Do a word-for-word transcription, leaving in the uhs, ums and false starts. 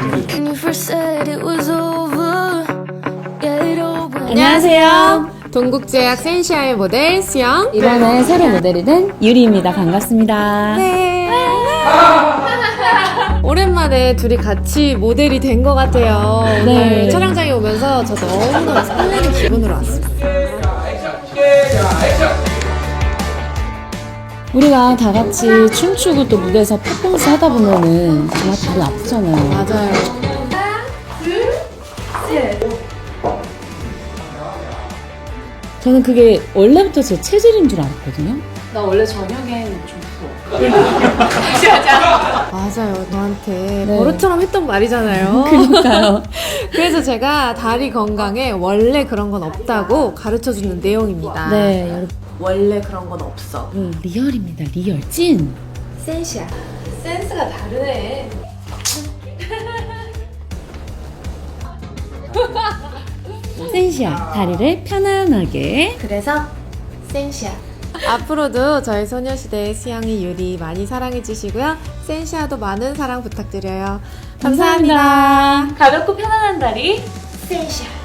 When you first said it was over, yeah, it all went. 안녕하세요. 동국제약 센시아의 모델 수영. 이번에 새로 모델이 된 유리입니다. 반갑습니다. 네. 오랜만에 둘이 같이 모델이 된 것 같아요. 오늘 네. 촬영장에 오면서 저 너무너무 설레는 기분으로 왔습니다. 우리가 다 같이 춤추고 또 무대에서 퍼포먼스 하다 보면은 정말 다리 아프잖아요. 맞아요. 저는 그게 원래부터 제 체질인 줄 알았거든요. 나 원래 저녁엔 좀 부어. 맞아요. 너한테 네. 버릇처럼 했던 말이잖아요. 그러니까요. 그래서 제가 다리 건강에 원래 그런 건 없다고 가르쳐주는 내용입니다. 네, 여러분. 원래 그런 건 없어. 음, 리얼입니다. 리얼 찐. 센시야. 센스가 다르네. 센시아 다리를 편안하게. 그래서 센시아. 앞으로도 저희 소녀시대의 수영이 유리 많이 사랑해 주시고요. 센시아도 많은 사랑 부탁드려요. 감사합니다. 감사합니다. 가볍고 편안한 다리. 센시아.